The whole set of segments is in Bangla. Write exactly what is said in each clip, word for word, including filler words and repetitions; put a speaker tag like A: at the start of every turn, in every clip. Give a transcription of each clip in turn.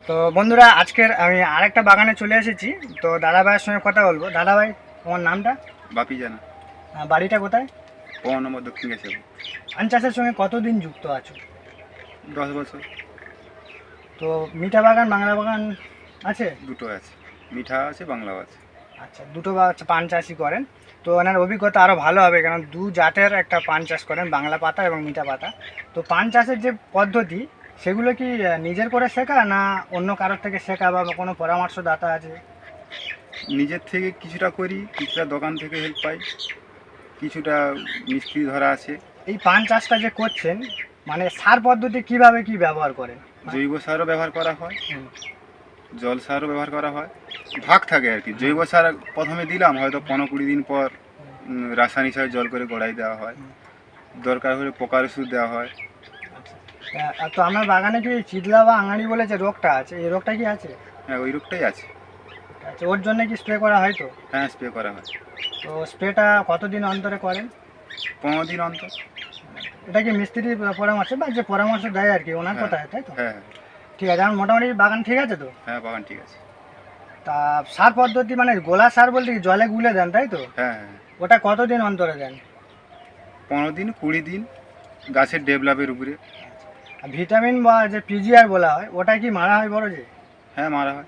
A: তো বন্ধুরা, আজকের আমি আরেকটা বাগানে চলে এসেছি। তো দাদা ভাইয়ের সঙ্গে কথা বলবো। দাদা ভাই, তোমার নামটা?
B: বাপি জানা।
A: আহ, বাড়িটা কোথায়?
B: পনেরো নম্বর দক্ষিণ গেছে।
A: ধান চাষের সঙ্গে কতদিন যুক্ত আছো?
B: দশ বছর।
A: তো মিঠা বাগান, বাংলা বাগান আছে?
B: দুটো আছে, মিঠা আছে, বাংলাও আছে।
A: আচ্ছা, দুটো বা পান চাষই করেন। তো ওনার অভিজ্ঞতা আরও ভালো হবে, কারণ দু জাতের একটা পান চাষ করেন, বাংলা পাতা এবং মিঠা পাতা। তো পান চাষের যে পদ্ধতি, সেগুলো কি আহ, নিজের করে শেখা, না অন্য কারোর থেকে শেখা, বা কোনো পরামর্শদাতা আছে?
B: নিজের থেকে কিছুটা করি, কিছুটা দোকান থেকে হেল্প পাই, কিছুটা মিস্ত্রি ধরা আছে।
A: এই পান চাষটা যে করছেন, মানে সার পদ্ধতি কিভাবে কি ব্যবহার করেন?
B: জৈব সারও ব্যবহার করা হয়,
A: হুম।
B: জল সারও ব্যবহার করা হয়, ভাগ থাকে আর কি। জৈব সার প্রথমে দিলাম, হয়তো পনেরো কুড়ি দিন পর উম, রাসায়নিক সার জল করে গোড়াই দেওয়া হয়, দরকার হলে পোকার ওষুধ দেওয়া হয়।
A: আহ, তো আমার বাগানে কি চিদলা বা আঙাড়ি বলে যে রোগটা আছে, এই রোগটা কি আছে?
B: হ্যাঁ, ওই রোগটাই আছে।
A: আচ্ছা, ওর জন্য কি স্প্রে করা হয়? তো
B: হ্যাঁ, স্প্রে করা হয়।
A: তো স্প্রেটা কতদিন অন্তরে করেন?
B: পনেরো দিন অন্তর।
A: এটা কি মিস্ত্রির পরামর্শ, বা যে পরামর্শ দেয় আর কি, ওনার
B: হ্যাঁ,
A: কথায়, তাই তো?
B: হ্যাঁ,
A: ঠিক আছে, আমার মোটামুটি বাগান ঠিক আছে তো?
B: হ্যাঁ, বাগান ঠিক আছে।
A: তা সার পদ্ধতি মানে গোলা সার বলতে কি জলে গুলে দেন, তাই তো?
B: হ্যাঁ, হ্যাঁ,
A: ওটা কতদিন অন্তরে দেন?
B: পনেরো দিন কুড়ি দিন, গাছের ডেভেলপের উপরে।
A: আর ভিটামিন বা যে পিজিআর বলা হয়, ওটা কি মারা হয় বড় যে?
B: হ্যাঁ, মারা হয়।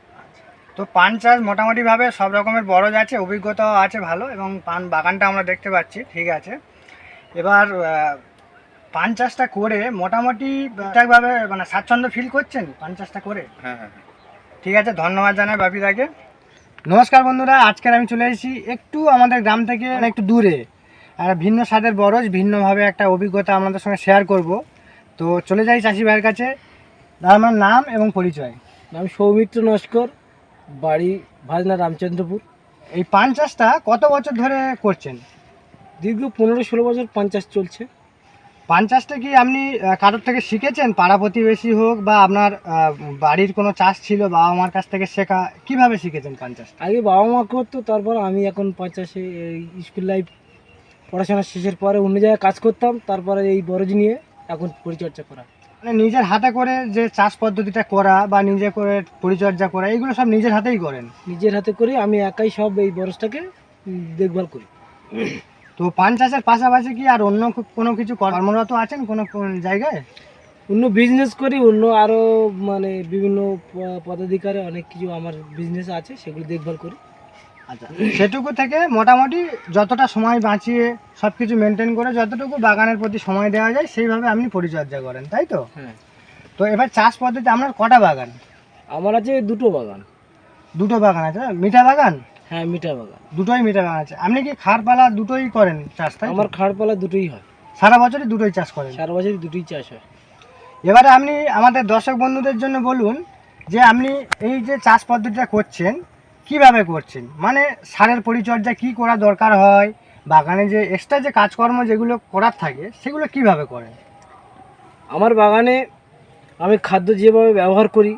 A: তো পান চাষ মোটামুটিভাবে সব রকমের বরজ আছে, অভিজ্ঞতাও আছে ভালো, এবং পান বাগানটা আমরা দেখতে পাচ্ছি ঠিক আছে। এবার আহ, পান চাষটা করে মোটামুটি ঠিকঠাকভাবে মানে স্বাচ্ছন্দ্য ফিল করছেন পান চাষটা করে?
B: হ্যাঁ, হ্যাঁ, হ্যাঁ।
A: ঠিক আছে, ধন্যবাদ জানাই বাপিদাকে। নমস্কার বন্ধুরা, আজকের আমি চলে এসেছি একটু আমাদের গ্রাম থেকে মানে একটু দূরে, আর ভিন্ন স্বাদের বরজ, ভিন্নভাবে একটা অভিজ্ঞতা আমাদের সঙ্গে শেয়ার করব। তো চলে যাই চাষি ভাইয়ের কাছে। দাদা, আমার নাম এবং পরিচয়?
C: নাম সৌমিত্র নস্কর, বাড়ি ভাজনা রামচন্দ্রপুর।
A: এই পান চাষটা কত বছর ধরে করছেন?
C: দীর্ঘ পনেরো ষোলো বছর পঞ্চাশ চলছে।
A: পান চাষটা কি আপনি আহ, কারোর থেকে শিখেছেন, পাড়া প্রতিবেশী হোক, বা আপনার আহ, বাড়ির কোনো চাষ ছিল, বাবা মার কাছ থেকে শেখা? কিভাবে শিখেছেন পান চাষ?
C: আগে বাবা মা করতো, তারপর আমি এখন পঞ্চাশে স্কুল লাইফ পড়াশোনা শেষের পরে অন্য জায়গায় কাজ করতাম, তারপরে এই বরজ নিয়ে এখন পরিচর্যা করা।
A: মানে নিজের হাতে করে যে চাষ পদ্ধতিটা করা, বা নিজে করে পরিচর্যা করা, এগুলো সব নিজের হাতেই করেন?
C: নিজের হাতে করে আমি একাই সব এই বরজটাকে উম, দেখভাল করি।
A: তো পান চাষের পাশাপাশি কি আর অন্য কো- কোনো কিছু কর্মরত আছেন কোনো কোন জায়গায়?
C: অন্য বিজনেস করি, অন্য আরও মানে বিভিন্ন প- পদাধিকারে অনেক কিছু আমার বিজনেস আছে, সেগুলো দেখভাল করি।
A: আচ্ছা, সেটুকু থেকে মোটামুটি যতটা সময় বাঁচিয়ে সব কিছু মেনটেন করে যতটুকু বাগানের প্রতি সময় দেওয়া যায়, সেইভাবে আপনি পরিচর্যা করেন, তাই তো?
C: হ্যাঁ,
A: তো এবার চাষ পদ্ধতি, আপনার কটা বাগান?
C: আমার আছে দুটো বাগান।
A: দুটো বাগান আছে, মিঠা বাগান?
C: হ্যাঁ, মিঠা বাগান।
A: দুটোই মিঠা বাগান আছে। আপনি কি খারপালা দুটোই করেন চাষ, তাই তো?
C: আমার খাড়পালা দুটোই হয়,
A: সারা বছরই দুটোই চাষ করেন?
C: সারা বছরই দুটোই চাষ হয়।
A: এবারে আপনি আমাদের দর্শক বন্ধুদের জন্য বলুন যে আপনি এই যে চাষ পদ্ধতিটা করছেন, কিভাবে করছেন, মানে সারের পরিচর্যা কি করা দরকার হয়, বাগানে যে এক্সট্রা যে কাজকর্ম যেগুলো করার থাকে, সেগুলো কিভাবে করেন?
C: আমার বাগানে আমি খাদ্য যেভাবে ব্যবহার করি,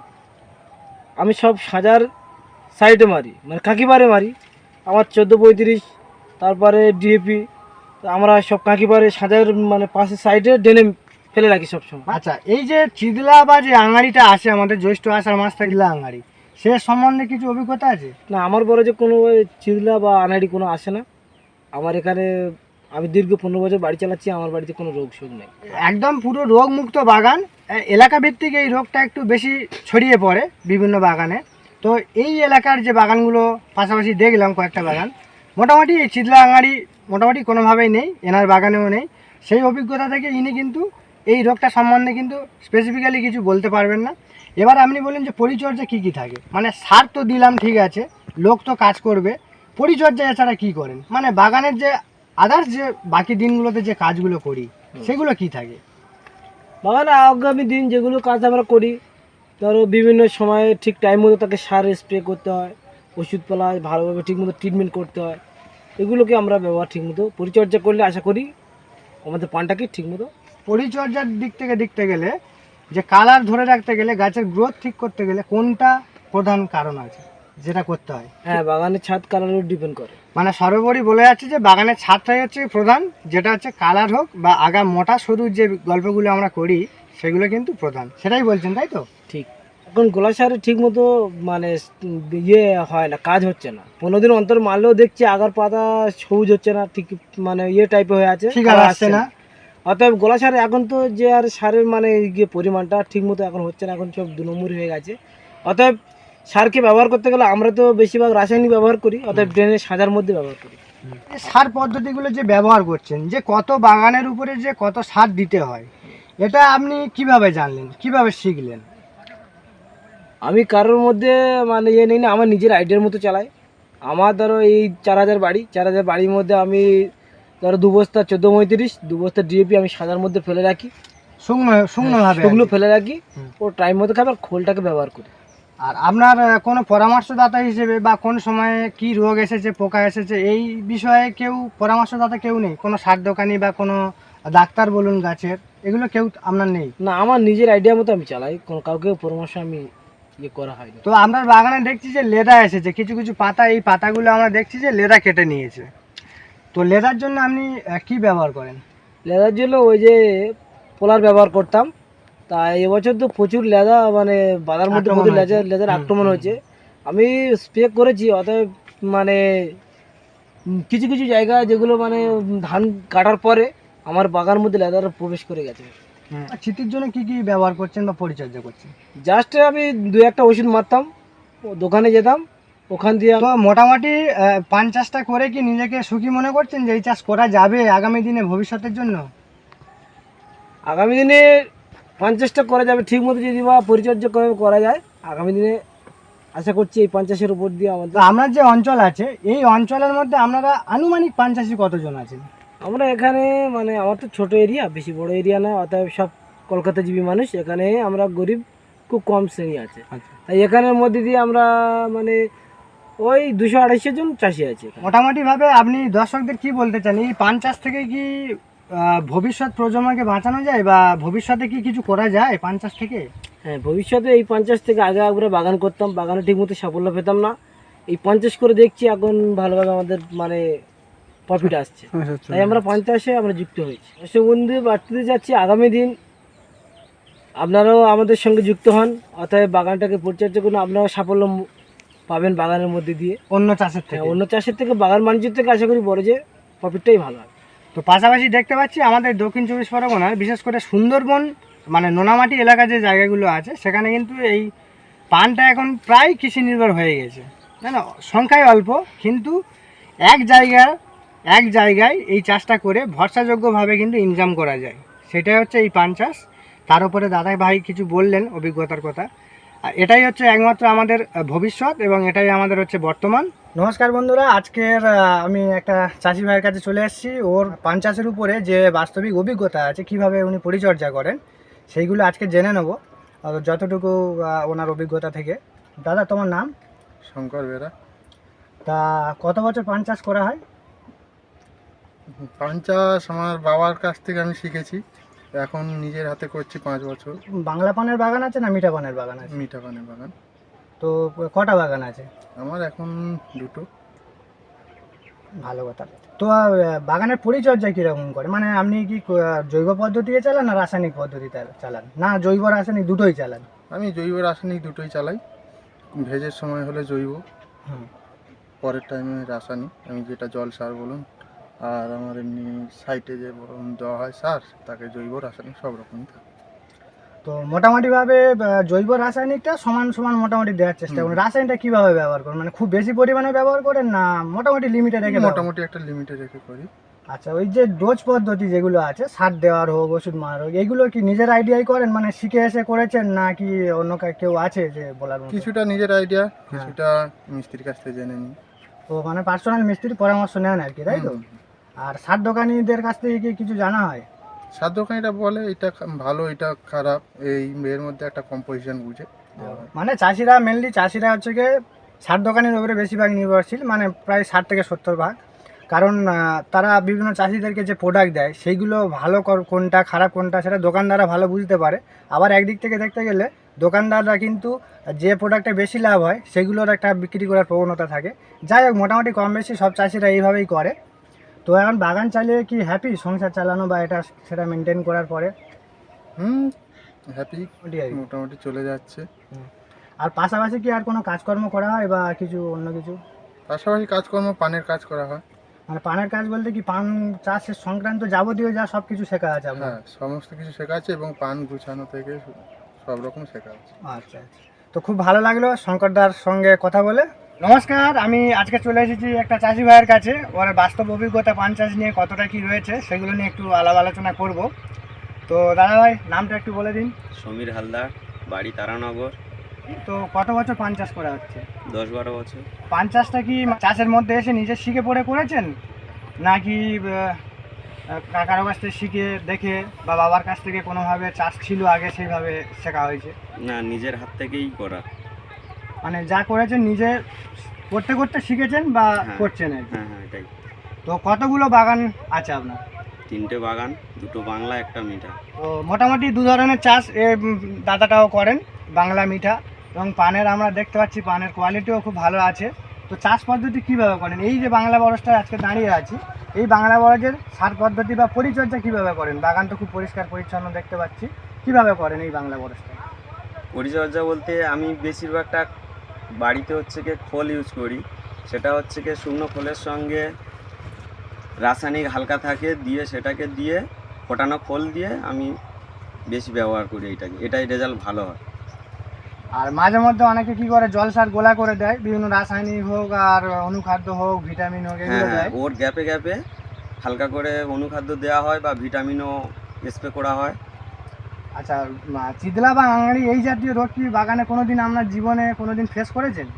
C: আমি সব সাজার সাইডে মারি, মানে কাকিবারে মারি। আমার চোদ্দো পঁয়ত্রিশ, তারপরে ডিএপি, আমরা সব কাকিবারে সাজার মানে পাশে সাইডে ডেনে ফেলে রাখি সবসময়।
A: আচ্ছা, এই যে চিদলা বা যে আঙাড়িটা আসে আমাদের জ্যৈষ্ঠ আষাঢ় মাস থেকে, চিদলা আঙাড়ি, সে সম্বন্ধে কিছু অভিজ্ঞতা আছে?
C: না, আমার বড় যে কোনো চিরলা বা আনাড়ি কোনো আসে না আমার এখানে। আমি দীর্ঘ পনেরো বছর বাড়ি চালাচ্ছি, আমার বাড়িতে কোনো রোগ শোক নেই।
A: একদম পুরো রোগমুক্ত বাগান। এ- এলাকা ভিত্তিক এই রোগটা একটু বেশি ছড়িয়ে পড়ে বিভিন্ন বাগানে। তো এই এলাকার যে বাগানগুলো পাশাপাশি দেখলাম, কয়েকটা বাগান, মোটামুটি এই চিদলা আঙাড়ি মোটামুটি কোনোভাবেই নেই, এনার বাগানেও নেই। সেই অভিজ্ঞতা থেকে ইনি কিন্তু এই রোগটা সম্বন্ধে কিন্তু স্পেসিফিক্যালি কিছু বলতে পারবেন না। এবার আপনি বলেন যে পরিচর্যা কী কী থাকে, মানে সার তো দিলাম ঠিক আছে, লোক তো কাজ করবে, পরিচর্যা এছাড়া কী করেন, মানে বাগানের যে আদার্স যে বাকি দিনগুলোতে যে কাজগুলো করি, সেগুলো কি থাকে?
C: বাগানে আগামী দিন যেগুলো কাজ আমরা করি, ধরো বিভিন্ন সময়ে ঠিক টাইম মতো তাকে সার স্প্রে করতে হয়, ওষুধপালা ভালোভাবে ঠিকমতো ট্রিটমেন্ট করতে হয়। এগুলোকে আমরা ব্যবহার ঠিকমতো পরিচর্যা করলে আশা করি আমাদের পানটাকে ঠিকমতো।
A: পরিচর্যার দিক থেকে দেখতে গেলে, যে কালার ধরে রাখতে গেলে, গাছের গ্রোথ ঠিক করতে গেলে কোনটা প্রধান কারণ আছে যেটা করতে হয়?
C: হ্যাঁ, বাগানের ছাদ কালারের ডিপেন্ড করে।
A: মানে সর্বোপরি বলে যাচ্ছে যে বাগানের ছাদটাই হচ্ছে প্রধান, যেটা হচ্ছে কালার হোক বা আগা মোটা সরু যে গল্পগুলো আমরা করি, সেগুলো কিন্তু প্রধান, সেটাই বলছেন, তাই তো?
C: ঠিক। এখন গোলা সারে ঠিক মতো মানে ইয়ে হয় না, কাজ হচ্ছে না। পনেরো দিন অন্তর মারলেও দেখছি আগার পাতা সবুজ হচ্ছে না, ঠিক মানে ইয়ে টাইপের হয়ে আছে,
A: ঠিক আর
C: কালার
A: আসছে না।
C: অতএব গোলা সার এখন তো যে আর সারের মানে ইয়ে পরিমাণটা ঠিক মতো এখন হচ্ছে না, এখন সব দু নম্বর হয়ে গেছে। অতএব সারকে ব্যবহার করতে গেলে আমরা তো বেশিরভাগ রাসায়নিক ব্যবহার করি, অতএব ড্রেনের সাজার মধ্যে ব্যবহার করি।
A: এই সার পদ্ধতিগুলো যে ব্যবহার করছেন, যে কত বাগানের উপরে যে কত সার দিতে হয়, এটা আপনি কিভাবে জানলেন, কিভাবে শিখলেন?
C: আমি কারোর মধ্যে মানে ইয়ে নেই না, আমার নিজের আইডিয়ার মতো চালাই। আমার ধরো এই চার হাজার বাড়ি, চার হাজার বাড়ির মধ্যে আমি ধরো দু বস্তা চোদ্দো পঁয়ত্রিশ দু বস্তা ডিএপি আমি সাজার মধ্যে ফেলে রাখি,
A: শুকনো শুকনো ভাবে
C: সেগুলো
A: আর কি।
C: ফেলে রাখি,
A: হুম।
C: ও টাইম মতো খাবে আর খোলটাকে ব্যবহার করি।
A: আর আপনার আহ, কোনো পরামর্শদাতা হিসেবে বা কোন সময়ে কি রোগ এসেছে, পোকা এসেছে, এই বিষয়ে কেউ পরামর্শদাতা কেউ নেই? কোনো সার দোকানি বা কোনো ডাক্তার বলুন গাছের, এগুলো কেউ আপনার নেই?
C: না, আমার নিজের আইডিয়া মতো আমি চালাই, কোনো কাউকে পরামর্শ আমি ইয়ে করা হয়নি।
A: তো আপনার বাগানে দেখছি যে লেদা এসেছে, কিছু কিছু পাতা, এই পাতাগুলো আমরা দেখছি যে লেদা কেটে নিয়েছে। তো লেদার জন্য আপনি আহ, কি ব্যবহার করেন?
C: লেদার জন্য ওই যে পোলার ব্যবহার করতাম, তা এবছর তো প্রচুর লেদা মানে বাজার মধ্যে
A: আক্রমণ
C: প্রচুর
A: হয়েছে।
C: লেদার লেদার
A: হুম,
C: আক্রমণ
A: হুম,
C: হয়েছে। আমি স্প্রে করেছি, অতএব মানে উম, কিছু কিছু জায়গায় যেগুলো মানে উম, ধান কাটার পরে আমার বাগানের মধ্যে লেদার প্রবেশ করে গেছে।
A: হুম। আর শীতের জন্য কি কি ব্যবহার করছেন বা পরিচর্যা করছেন?
C: জাস্ট আমি দু একটা ওষুধ মারতাম, ও দোকানে যেতাম, ওখান দিয়ে
A: তো মোটামুটি আহ, পান চাষটা করে কি নিজেকে সুখী মনে করছেন যে এই চাষ করা যাবে আগামী দিনে ভবিষ্যতের জন্য?
C: আগামী দিনে পঞ্চাশটা করা যাবে ঠিক মতো যদি বা পরিচর্যা করে করা যায়। আগামী দিনে আশা করছি এই পঞ্চাশের উপর দিয়ে
A: তো
C: আমাদের,
A: আপনার যে অঞ্চল আছে, এই অঞ্চলের মধ্যে আপনারা আনুমানিক পান চাষি কতজন আছেন?
C: আমরা এখানে মানে আমার তো ছোট এরিয়া, বেশি বড় এরিয়া না, অতএব সব কলকাতাজীবী মানুষ। এখানে আমরা গরিব খুব কম শ্রেণী আছে,
A: আচ্ছা।
C: তাই এখানের মধ্যে দিয়ে আমরা মানে ওই দুশো আড়াইশো জন চাষি আছে এখানে।
A: মোটামুটি ভাবে আপনি দর্শকদের কি বলতে চান, এই পান চাষ থেকে কি আহ, ভবিষ্যৎ প্রজন্মকে বাঁচানো যায় বা ভবিষ্যতে কি কিছু করা যায় পান চাষ থেকে?
C: হ্যাঁ, ভবিষ্যতে এই পঞ্চাশ থেকে আগে আমরা বাগান করতাম, বাগানে ঠিকমতো সাফল্য পেতাম না। এই পঞ্চাশ করে দেখছি এখন ভালোভাবে আমাদের মানে প্রফিট আসছে, তাই আমরা পঞ্চাশে আমরা যুক্ত হয়েছি। দর্শক বন্ধু বাড়তে যাচ্ছি, আগামী দিন আপনারাও আমাদের সঙ্গে যুক্ত হন, অতএব বাগানটাকে পরিচর্যা করুন, আপনারাও সাফল্য মু- পাবেন বাগানের মধ্যে দিয়ে।
A: অন্য চাষের
C: হ্যাঁ,
A: থেকে?
C: অন্য চাষের থেকে বাগান বাণিজ্য থেকে আশা করি বড় যে প্রফিটটাই ভালো হবে।
A: তো পাশাপাশি দেখতে পাচ্ছি আমাদের দক্ষিণ চব্বিশ পরগনার বিশেষ করে সুন্দরবন মানে নোনামাটি এলাকা যে জায়গাগুলো আছে, সেখানে কিন্তু এই পানটা এখন প্রায় কৃষি নির্ভর হয়ে গেছে, তাই না? সংখ্যায় অল্প, কিন্তু এক জায়গায় এক জায়গায় এই চাষটা করে ভরসাযোগ্যভাবে কিন্তু ইনকাম করা যায়, সেটাই হচ্ছে এই পান চাষ। তার উপরে দাদা ভাই কিছু বললেন অভিজ্ঞতার কথা, আর এটাই হচ্ছে একমাত্র আমাদের আহ, ভবিষ্যৎ, এবং এটাই আমাদের হচ্ছে বর্তমান। নমস্কার বন্ধুরা, আজকের আহ, আমি একটা চাষি ভাইয়ের কাছে চলে এসেছি। ওর পান চাষের উপরে যে বাস্তবিক অভিজ্ঞতা আছে, কিভাবে উনি পরিচর্যা করেন, সেইগুলো আজকে জেনে নেব আর যতটুকু আহ, ওনার অভিজ্ঞতা থেকে। দাদা, তোমার নাম?
B: শঙ্কর বেরা।
A: তা কত বছর পান চাষ করা হয়?
B: পান চাষ আমার বাবার কাছ থেকে আমি শিখেছি, এখন নিজের হাতে করছি পাঁচ বছর।
A: বাংলা পানের বাগান আছে না মিঠা পানের বাগান আছে?
B: মিঠা পানের বাগান।
A: তো কটা বাগান আছে?
B: আমার এখন দুটো।
A: ভালো কথা। তো আহ, বাগানের পরিচর্যা কীরকম করে, মানে আপনি কি আহ, জৈব পদ্ধতিতে চালান না রাসায়নিক পদ্ধতিতে চালান, না জৈব রাসায়নিক দুটোই চালান?
B: আমি জৈব রাসায়নিক দুটোই চালাই। ভেজের সময় হলে জৈব,
A: হুম।
B: পরের টাইমে রাসায়নিক, আমি যেটা জল সার বলুন, আর আমার এমনি সাইটে যে বরং দেওয়া হয় সার, তাকে জৈব রাসায়নিক সব রকমই থাকে।
A: তো মোটামুটিভাবে আহ, জৈব রাসায়নিকটা সমান সমান মোটামুটি দেওয়ার চেষ্টা করেন।
B: হুম।
A: রাসায়নিকটা কীভাবে ব্যবহার করেন, মানে খুব বেশি পরিমাণে ব্যবহার করেন না মোটামুটি লিমিটে রেখে ব্যবহার?
B: মোটামুটি একটা লিমিটে রেখে করি।
A: আচ্ছা, ওই যে ডোজ পদ্ধতি যেগুলো আছে, সার দেওয়ার হোক, ওষুধ মারার হোক, এইগুলো কি নিজের আইডিয়াই করেন, মানে শিখে এসে করেছেন, না কি অন্য কা- কেউ আছে যে বলার মতো?
B: কিছুটা নিজের আইডিয়া, কিছুটা মিস্ত্রির কাছ থেকে জেনে নিই।
A: তো মানে পার্সোনাল মিস্ত্রির পরামর্শ নেন আর কি, তাই তো?
B: হুম।
A: আর সার দোকানিদের কাছ থেকে কি কিছু জানা হয়?
B: সার দোকানিটা বলে এটা খা- ভালো, এটা খারাপ, এই এর মধ্যে একটা কম্পোজিশন বুঝে দেওয়া হয়।
A: মানে চাষিরা মেনলি চাষিরা হচ্ছে গিয়ে সার দোকানের উপরে বেশিরভাগ নির্ভরশীল, মানে প্রায় ষাট থেকে সত্তর ভাগ। কারণ আহ, তারা বিভিন্ন চাষিদেরকে যে প্রোডাক্ট দেয়, সেইগুলো ভালো কর- কোনটা খারাপ কোনটা সেটা দোকানদাররা ভালো বুঝতে পারে। আবার একদিক থেকে দেখতে গেলে দোকানদাররা কিন্তু যে প্রোডাক্টে বেশি লাভ হয় সেগুলোর একটা বিক্রি করার প্রবণতা থাকে। যাই হোক, মোটামুটি কম বেশি সব চাষিরা এইভাবেই করে। তো এখন বাগান চালিয়ে কি হ্যাপি সংসার চালানো বা এটা সেটা মেনটেন করার পরে?
B: হুম, হ্যাপি,
A: ওটাই আর কি।
B: মোটামুটি চলে যাচ্ছে।
A: হুম। আর পাশাপাশি কি আর কোনো কাজকর্ম করা হয় বা কিছু অন্য কিছু?
D: পাশাপাশি কাজকর্ম পানের কাজ করা হয়।
A: মানে পানের কাজ বলতে কি পান চাষের সংক্রান্ত যাবতীয় যা সব কিছু শেখা আছে আপনার?
D: হ্যাঁ, সমস্ত কিছু শেখা আছে এবং পান গুছানো থেকে সব রকম শেখা আছে।
A: আচ্ছা আচ্ছা, তো খুব ভালো লাগলো শঙ্করদার সঙ্গে কথা বলে। নমস্কার, আমি আজকে চলে এসেছি একটা চাষি ভাইয়ের কাছে। ওর বাস্তব অভিজ্ঞতা পান চাষ নিয়ে কতটা কি রয়েছে সেগুলো নিয়ে একটু আলাপ আলোচনা করব। তো দাদা ভাই, নামটা একটু বলে দিন।
E: সমীর হালদার, বাড়ি তারানগর।
A: তো কত বছর পান চাষ করা হচ্ছে?
E: দশ বারো বছর।
A: পান চাষটা কি চাষের মধ্যে এসে নিজে শিখে পড়ে করেছেন, নাকি আহ, কাকার কাছ থেকে শিখে দেখে বা বাবার কাছ থেকে কোনোভাবে চাষ ছিল আগে সেইভাবে শেখা হয়েছে?
E: না, নিজের হাত থেকেই করা।
A: মানে যা করেছেন নিজে করতে করতে শিখেছেন বা
E: হ্যাঁ।
A: করছেন আর কি?
E: হ্যাঁ হ্যাঁ, এটাই।
A: তো কতগুলো বাগান আছে আপনার?
E: তিনটে বাগান, দুটো বাংলা, একটা মিঠা।
A: তো মোটামুটি দু ধরনের চাষ এ উম, দাদাটাও করেন, বাংলা মিঠা। এবং পানের আমরা দেখতে পাচ্ছি পানের কোয়ালিটিও খুব ভালো আছে। তো চাষ পদ্ধতি কীভাবে করেন? এই যে বাংলা বরজটায় আজকে দাঁড়িয়ে আছি, এই বাংলা বরজের সার পদ্ধতি বা পরিচর্যা কীভাবে করেন? বাগান তো খুব পরিষ্কার পরিচ্ছন্ন দেখতে পাচ্ছি, কীভাবে করেন এই বাংলা বরজটা?
E: পরিচর্যা বলতে আমি বেশিরভাগটা বাড়িতে হচ্ছে কি খোল ইউজ করি। সেটা হচ্ছে কি শুকনো খোলের সঙ্গে রাসায়নিক হালকা থাকে দিয়ে সেটাকে দিয়ে ফোটানো খোল দিয়ে আমি বেশি ব্যবহার করি এইটাকে। এটাই রেজাল্ট ভালো হয়।
A: আর মাঝে মধ্যে অনেকে কি করে জল সার গোলা করে দেয়, বিভিন্ন রাসায়নিক হোক আর অনুখাদ্য হোক ভিটামিন হোক
E: হ্যাঁ
A: এগুলো
E: হ্যাঁ,
A: দেয়।
E: ওর গ্যাপে গ্যাপে হালকা করে অনুখাদ্য দেওয়া হয় বা ভিটামিনও স্প্রে করা হয়।
A: আচ্ছা, মা- চিদলা বা আঙাড়ি এই জাতীয় রোগ কি বাগানে কোনোদিন আপনার জীবনে কোনোদিন ফেস করেছেন?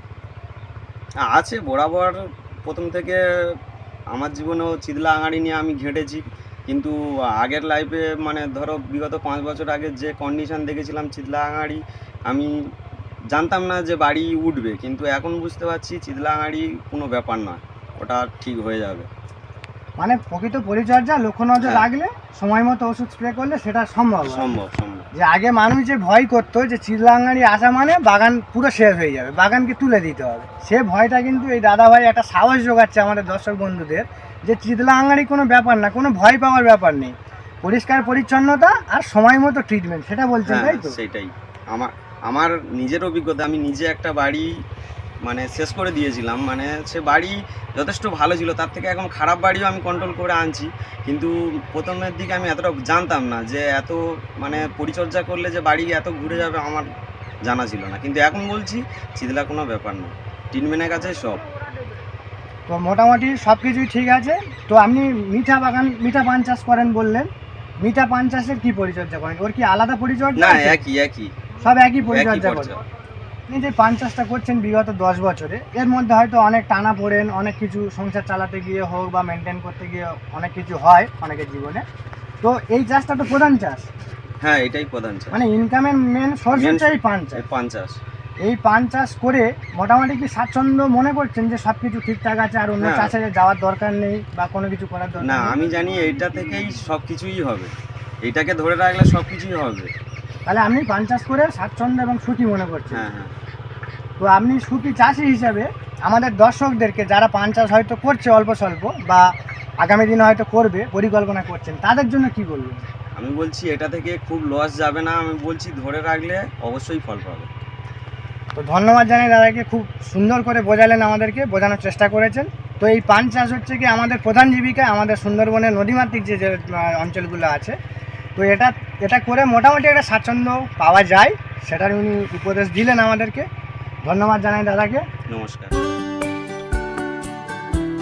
E: আছে বরাবর, প্রথম থেকে আমার জীবনেও চিদলা আঙাড়ি নিয়ে আমি ঘেঁটেছি। কিন্তু আগের লাইফে মানে ধরো বিগত পাঁচ বছর আগে যে কন্ডিশন দেখেছিলাম চিদলা আঙাড়ি, আমি জানতাম না যে বাড়ি উঠবে। কিন্তু এখন বুঝতে পারছি চিদলা আঙাড়ি কোনো ব্যাপার নয়, ওটা ঠিক হয়ে যাবে।
A: মানে প্রকৃত পরিচর্যা, লক্ষ্য নজর
E: হ্যাঁ।
A: রাখলে, সময় মতো ওষুধ স্প্রে করলে সেটা সম্ভব হয়।
E: সম্ভব সম্ভব
A: যে আগে মানুষ যে ভয় করতো যে চিদলা আঙাড়ি আসা মানে বাগান পুরো শেষ হয়ে যাবে, বাগানকে তুলে দিতে হবে, সে ভয়টা কিন্তু এই দাদা ভাই একটা সাহস যোগাচ্ছে আমাদের দর্শক বন্ধুদের যে চিদলা আঙাড়ি কোনো ব্যাপার না, কোনো ভয় পাওয়ার ব্যাপার নেই, পরিষ্কার পরিচ্ছন্নতা আর সময় মতো ট্রিটমেন্ট, সেটা বলছেন
E: হ্যাঁ
A: তাই তো?
E: সেটাই। আমার আমার নিজের অভিজ্ঞতা, আমি নিজে একটা বাড়ি মানে শেষ করে দিয়েছিলাম। মানে সে বাড়ি যথেষ্ট ভালো ছিল, তার থেকে এখন খারাপ বাড়িও আমি কন্ট্রোল করে আনছি। কিন্তু প্রথমের দিকে আমি এতটা জানতাম না যে এত মানে পরিচর্যা করলে যে বাড়ি এত ঘুরে যাবে, আমার জানা ছিল না। কিন্তু এখন বলছি চিদলা কোনো ব্যাপার না, ট্রিটমেন্টের কাছে সব।
A: তো মোটামুটি সব কিছুই ঠিক আছে। তো আপনি মিঠা বাগান, মিঠা পান চাষ করেন বললেন, মিঠা পান চাষের কি পরিচর্যা করেন? ওর কি আলাদা পরিচর্যা
E: না,
A: আছে?
E: একই একই
A: সব একই
E: একই
A: পরিচর্যা করেন।
E: পরিচর্যা।
A: আপনি যে পান চাষটা করছেন বিগত দশ বছরে, এর মধ্যে হয়তো অনেক টানা পড়েন, অনেক কিছু সংসার চালাতে গিয়ে হোক বা মেনটেন করতে গিয়ে অনেক কিছু হয় অনেকের জীবনে। তো এই চাষটা তো প্রধান চাষ,
E: হ্যাঁ এটাই প্রধান চাষ।
A: মানে ইনকামের মেন সোর্স
E: Main
A: হচ্ছে এই পান চাষ।
E: এই পান চাষ।
A: এই পান চাষ করে মোটামুটি কি স্বাচ্ছন্দ্য মনে করছেন যে সব কিছু ঠিকঠাক আছে আর অন্য
E: হ্যাঁ।
A: চাষে যাওয়ার দরকার নেই বা কোনো কিছু করার দরকার
E: না,
A: নেই?
E: আমি জানি এইটা থেকেই সব কিছুই হবে, এইটাকে ধরে রাখলে সব কিছুই হবে।
A: তাহলে আপনি পান চাষ করে স্বাচ্ছন্দ্য এবং সুখী মনে করছেন।
E: হ্যাঁ হ্যাঁ।
A: তো আপনি সুখী চাষি হিসাবে আমাদের দর্শকদেরকে, যারা পান চাষ হয়তো করছে অল্প স্বল্প বা আগামী দিনে হয়তো করবে, পরিকল্পনা করছেন, তাদের জন্য কি বলবেন?
E: আমি বলছি এটা থেকে খুব লস যাবে না, আমি বলছি ধরে রাখলে অবশ্যই ফল পাবে।
A: তো ধন্যবাদ জানাই দাদাকে, খুব সুন্দর করে বোঝালেন, আমাদেরকে বোঝানোর চেষ্টা করেছেন। তো এই পান চাষ হচ্ছে কি আমাদের প্রধান জীবিকা, আমাদের সুন্দরবনের নদীমাতৃক যে যে আহ, অঞ্চলগুলো আছে। তো এটা এটা করে মোটামুটি একটা স্বাচ্ছন্দ্য পাওয়া যায়, সেটার উনি উপদেশ দিলেন আমাদেরকে। ধন্যবাদ জানাই দাদাকে।
E: নমস্কার।